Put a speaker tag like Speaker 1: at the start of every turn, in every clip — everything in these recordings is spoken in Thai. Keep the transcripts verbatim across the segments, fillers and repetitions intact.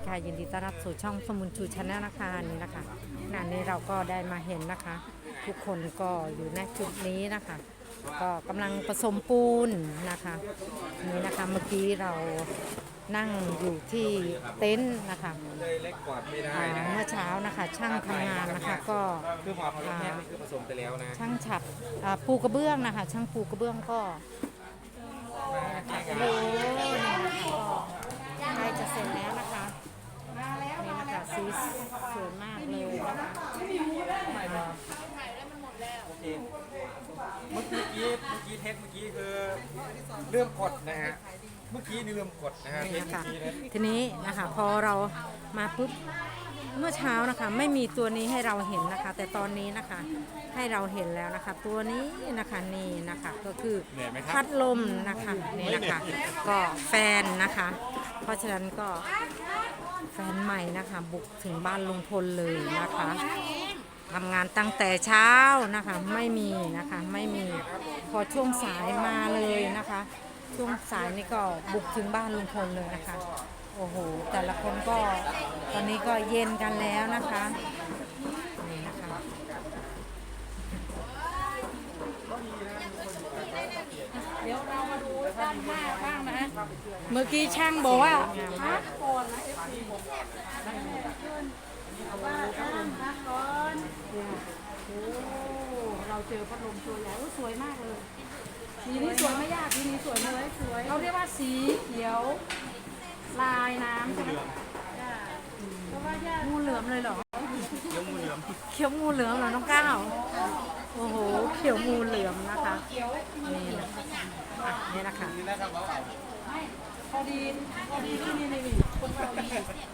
Speaker 1: ค่ะยินดีต้อนรับสู่ช่องสมุนชูชาแนลนะคะนี่นะคะงานนี้เราก็ได้มาเห็นนะคะ ทุกคนก็อยู่ในจุดนี้นะคะ ก็กำลังผสมปูนนะคะนี่นะคะเมื่อกี้เรานั่งอยู่ที่เต็นท์นะคะเมื่อเช้านะคะช่างทำงานนะคะก็
Speaker 2: คือหมอเขาแค่คือผสมไปแล้วนะ
Speaker 1: ช่างฉับปูกระเบื้องนะคะช่างปูกระเบื้องก็โอ้ใกล้จะเสร็จแล้วนะคะนี่นะคะสีสวยมากเลยนะคะ
Speaker 2: โอเคเมื่อกี้เมื่อกี้เทสเมื่อกี้คือเริ่มกดนะฮะเมื่อกี้นี่เริ่มกดนะฮะเทสเมื่อกี้นะ
Speaker 1: ทีนี้นะคะพอเรามาปุ๊บเมื่อเช้านะคะไม่มีตัวนี้ให้เราเห็นนะคะแต่ตอนนี้นะคะให้เราเห็นแล้วนะคะตัวนี้นะคะนี่นะคะก็คือพัดลมนะคะนี่นะคะก็แฟนนะคะ เพราะฉะนั้นก็แฟนใหม่นะคะบุกถึงบ้านลุงพลเลยนะคะทำงานตั้งแต่เช้านะคะไม่มีนะคะไม่มีพอช่วงสายมาเลยนะคะช่วงสายนี่ก็บุกถึงบ้านลุงพลเลยนะคะโอ้โหแต่ละคนก็ตอนนี้ก็เย็นกันแล้วนะคะนี่นะคะ
Speaker 3: เดี๋ยวเรามาดูด้านหน้าบ้างนะเมื่อกี้ช่างบอกว่าพักก่อนนะเอฟซีเอาว่าพักก่อนโอ้เราเจอพัดลมตัวใหญ่สวยมากเลยสีนี้สวยไม่ยากสีนี้สวยเลยสวยเขาเรียกว่าสีเขียวลายน้ำใช่ไหมเพราะว่างูเหลือมเลยเหรอเขียวงูเหลือม
Speaker 1: เขียวงูเหลือมเหรอน้องก้าวโอ้โหเขียวงูเหลือมนะคะนี่นะนี่นะคะ
Speaker 3: พอดีพอดีที่นี่นี่คนเราดี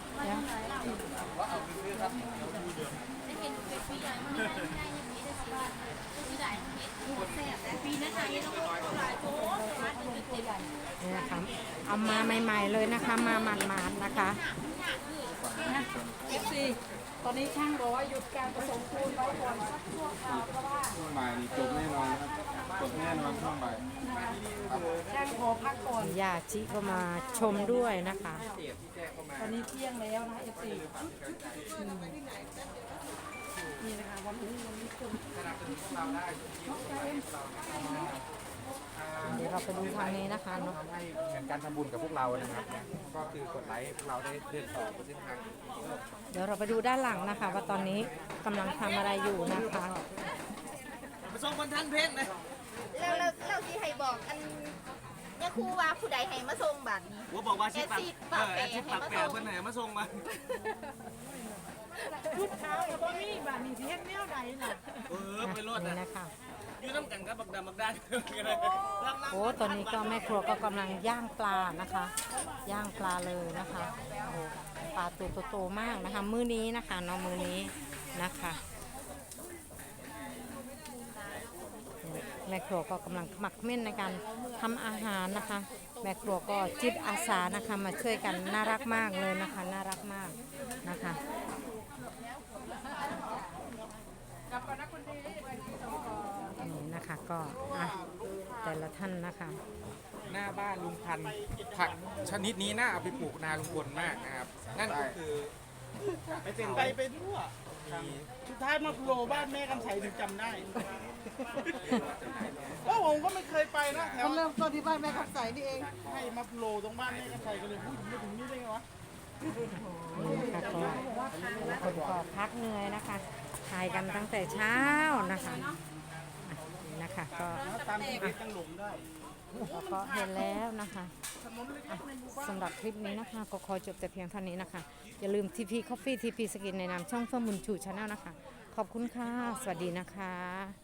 Speaker 1: นี่นะคะเอามาใหม่ๆเลยนะคะมาหมาดๆนะคะ
Speaker 3: เอฟซีตอนนี้ช่างบอกว่าหยุดการผสมปูนไว้ก่อนสักชั่วคราวเพราะว่า
Speaker 2: ช่วงบ่ายนี่จบแน่นอนครับจบแน่นอนช่วงบ่าย
Speaker 3: ช่างขอพักก่อน
Speaker 1: ญาติก็มาชมด้วยนะคะ
Speaker 3: ตอนนี้เที่ยงแล้วนะเอฟซีนี่นะคะวันนี้วันนี้คน
Speaker 1: เดี๋ยวเราไปดูทางนี้นะคะเนาะ
Speaker 2: เหมือนการทำบุญกับพวกเรานะครับก็คือกดไลค์พวกเราได้เดินต่อไปเส้นทาง
Speaker 1: เดี๋ยวเราไปดูด้านหลังนะคะว่าตอนนี้กำลังทำอะไรอยู่นะคะ
Speaker 2: มาส่งคนทั้งเพชรเลย
Speaker 4: แล้วเราเราที่ให้บอกอันเนี่ยครูว่าผู้ใดให้มาส่งบัตรนี้
Speaker 2: ว่าบอกว่าชิปปากเออชิปปากแปะเพื่อนไหนมาส่งมา
Speaker 3: ชุดขาวกับบ่มีบาทนี่ที่เฮ็ดแนวใดน่ะ
Speaker 2: เออไปรถนะ
Speaker 1: นะคะ
Speaker 2: ยืนน้ำกันกับบักดำบักด้าน
Speaker 1: โอ้ตอนนี้ก็แม่ครัวก็กำลังย่างปลานะคะย่างปลาเลยนะคะโอ้ปลาตัวโตๆมากนะคะมื้อนี้นะคะเนาะมื้อนี้นะคะแม่ครัวก็กำลังขมักเม่นในการทำอาหารนะคะแม่ครัวก็จิตอาสานะคะมาช่วยกันน่ารักมากเลยนะคะน่ารักมากนะคะนี่นะคะก็อ่ะแต่ละท่านนะคะ
Speaker 2: หน้าบ้านลุงพันธุ์ผักชนิดนี้น่าเอาไปปลูกนาลุงพลมากนะครับนั่นก็คือ
Speaker 5: ไปเป็นไปไปทั่วสุดท้ายมาโผล่บ้านแม่กำไสถึงจำได้โอ้ผมก็ไม่เคยไปนะแถว
Speaker 3: เริ่มต้นที่บ้านแม่กำไสนี่เอง
Speaker 5: ให้มาโผล่ตรงบ้านแม่กำไสกันเลยพูดถึงนี่ได้ไงวะ
Speaker 1: นี่นะคะก็คนก็พักเหนื่อยนะคะถ่ายกันตั้งแต่เช้านะคะนี่นะคะก็
Speaker 5: ตามที่ตั้งหลุมได้
Speaker 1: แล้วก็เห็นแล้วนะคะสำหรับคลิปนี้นะคะก็ขอจบแต่เพียงเท่านี้นะคะอย่าลืม ที พี Coffee ที พี Skin ในนามช่องเฟื่องบุญชูชาแนลนะคะขอบคุณค่ะสวัสดีนะคะ